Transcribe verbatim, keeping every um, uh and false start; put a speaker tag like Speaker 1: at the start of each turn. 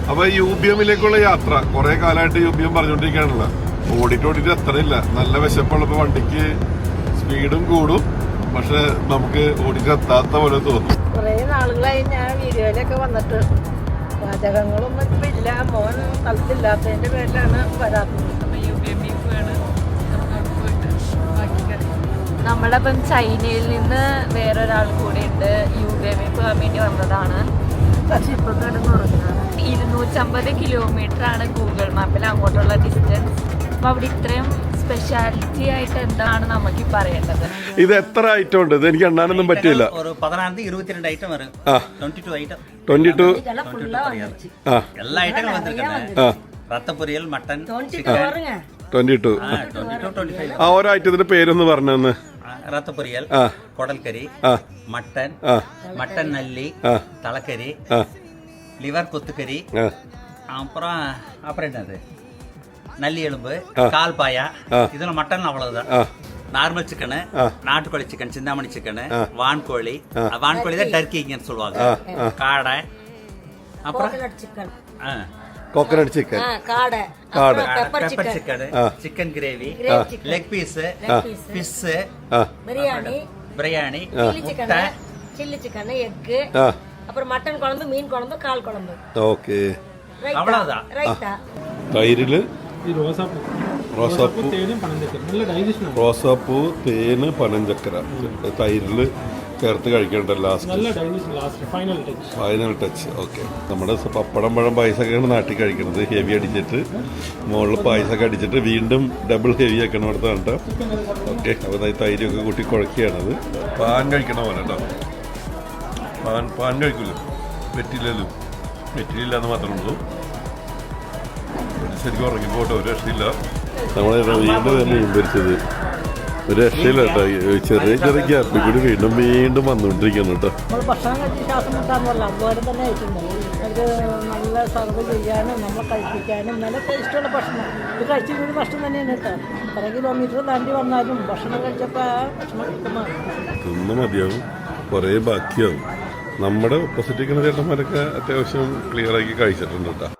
Speaker 1: അപ്പൊ U B എമ്മിലേക്കുള്ള യാത്ര കുറെ കാലമായിട്ട് യു ബി എം പറഞ്ഞോണ്ടിരിക്കുകയാണല്ലോ. ഓടിട്ട് ഓടിട്ട് എത്രയില്ല. നല്ല വിശപ്പുള്ളപ്പോ വണ്ടിക്ക് സ്പീഡും കൂടും, പക്ഷെ നമുക്ക് ഓടിട്ട് എത്താത്ത പോലെ തോന്നും.
Speaker 2: കുറെ നാളുകളായി ഞാൻ വീഡിയോയിലൊക്കെ വന്നിട്ട് പാചകങ്ങളൊന്നും ഇപ്പൊ ഇല്ല. മോൻ സ്ഥലത്തില്ലാത്തതിന്റെ പേരിലാണ് വരാത്തത്.
Speaker 3: നമ്മളിപ്പം ചൈനയിൽ നിന്ന് വേറൊരാൾ കൂടെ ഉണ്ട്. യു ബി എമ്മിൽ പോകാൻ വേണ്ടി വന്നതാണ്.
Speaker 2: പക്ഷെ ഇപ്പൊ കിടന്നുറങ്ങുന്നത്
Speaker 3: ഇരുന്നൂറ്റമ്പത് കിലോമീറ്റർ ആണ് ഗൂഗിൾ മാപ്പിൽ അങ്ങോട്ടുള്ള ഡിസ്റ്റൻസ്. അപ്പൊ അവിടെ ഇത്രയും സ്പെഷ്യാലിറ്റി ആയിട്ട് എന്താണ് നമുക്ക് പറയേണ്ടത്?
Speaker 1: ഇത് എത്ര ഐറ്റം ഉണ്ട്? ഇത് എനിക്ക് എണ്ണാനൊന്നും പറ്റില്ല.
Speaker 4: ഇരുപത്തിരണ്ട് ഐറ്റം വരും.
Speaker 1: ട്വന്റി ടു
Speaker 4: എല്ലാ ഐറ്റങ്ങളും വന്നിരിക്കുന്നത്. റത്തപ്പൊരിയൽ, മട്ടൻ,
Speaker 1: ട്വന്റി ടു ആ ഓരോ ഐറ്റത്തിന്റെ പേരൊന്ന് പറഞ്ഞെന്ന്.
Speaker 4: റത്തപ്പൊരിയൽ, കുടൽക്കറി, മട്ടൻ, മട്ടൻ നല്ലി, തലക്കറി, லிவர் கொத்துக்கறி, அப்புறம் அப்புறம் என்னது நல்லி எலும்பு, கால் பாயா. இதெல்லாம் மட்டன் அவ்வளவுதான். நார்மல் சிக்கனு, நாட்டுக்கோழி சிக்கன், சிந்தாமணி சிக்கனு, வான்கோழி. வான்கோழி தான் டர்க்கிங்கன்னு சொல்லுவாங்க. காடை, அப்புறம்
Speaker 1: கோகனட் சிக்கன்,
Speaker 2: காடை,
Speaker 1: காடை,
Speaker 4: pepper chicken, chicken gravy, leg piece, fish,
Speaker 2: biryani,
Speaker 4: biryani,
Speaker 2: முட்டை, சில்லி சிக்கன், எக், அப்புறம் மட்டன் குழம்பு, மீன் குழம்பு, கால் குழம்பு.
Speaker 1: ஓகே,
Speaker 4: அவ்வளவுதான்.
Speaker 2: ரைத்தா.
Speaker 1: തൈരില്
Speaker 5: റോസാപ്പൂ
Speaker 1: റോസാപ്പൂ
Speaker 5: തേനും പനഞ്ചക്കര നല്ല ഡൈജഷൻ.
Speaker 1: റോസാപ്പൂ, തേന്, പനഞ്ചക്കര തൈരില് ചേർത്ത് കഴിക്കേണ്ട ലാസ്റ്റ്
Speaker 5: നല്ല digestion. Last final touch.
Speaker 1: Final touch. Okay, നമ്മുടെ പപ്പടം പഴം പായസമൊക്കെയാണ് നാട്ടിൽ കഴിക്കുന്നത്. ഹെവി അടിച്ചിട്ട് മുകളിൽ പായസമൊക്കെ അടിച്ചിട്ട് വീണ്ടും ഡബിൾ ഹെവി ആക്കണം അടുത്ത കണ്ടോ. ഓക്കെ, അപ്പോൾ തൈരൊക്കെ കൂട്ടി കുഴക്കുകയാണത്. പാൻ കഴിക്കണ പോലെ കേട്ടോ. പാൻ പാൻ കഴിക്കില്ല, വെറ്റില്ലല്ലോ. വെറ്റിലില്ലാന്ന് മാത്രമേ ഉള്ളൂ. ശരിക്കും ഉറങ്ങിപ്പോട്ടെ, ഒരു രക്ഷയില്ല. നമ്മളെ വീണ്ടും മീൻ പൊരിച്ചത് ഒരു രക്ഷയില്ല കേട്ടോ. ചെറിയ ചെറിയ ഗ്യാപ്പിൽ കൂടി വീണ്ടും വീണ്ടും വന്നുകൊണ്ടിരിക്കുന്നു കേട്ടോ.
Speaker 2: നമ്മൾ ഭക്ഷണം കഴിച്ച് ശ്വാസം മുട്ടാന്നല്ല, അതുപോലെ തന്നെ കഴിച്ചിട്ടുണ്ട്. അത് നല്ല സർവ് ചെയ്യാനും നമ്മളെ കഴിപ്പിക്കാനും നല്ല ടേസ്റ്റുള്ള ഭക്ഷണം. ഇത് കഴിച്ചു കൂടി ഭക്ഷണം തന്നെയാണ് കേട്ടോ. എത്ര കിലോമീറ്റർ താണ്ടി വന്നാലും ഭക്ഷണം കഴിച്ചപ്പോൾ ആ ഭക്ഷണം കിട്ടുമ്പോൾ
Speaker 1: തിന്ന് മതിയാവും, കുറേ ബാക്കിയാവും. നമ്മുടെ ഓപ്പോസിറ്റ് നിൽക്കുന്ന ചേട്ടന്മാരൊക്കെ അത്യാവശ്യം ക്ലിയർ ആക്കി കഴിച്ചിട്ടുണ്ട് കേട്ടോ.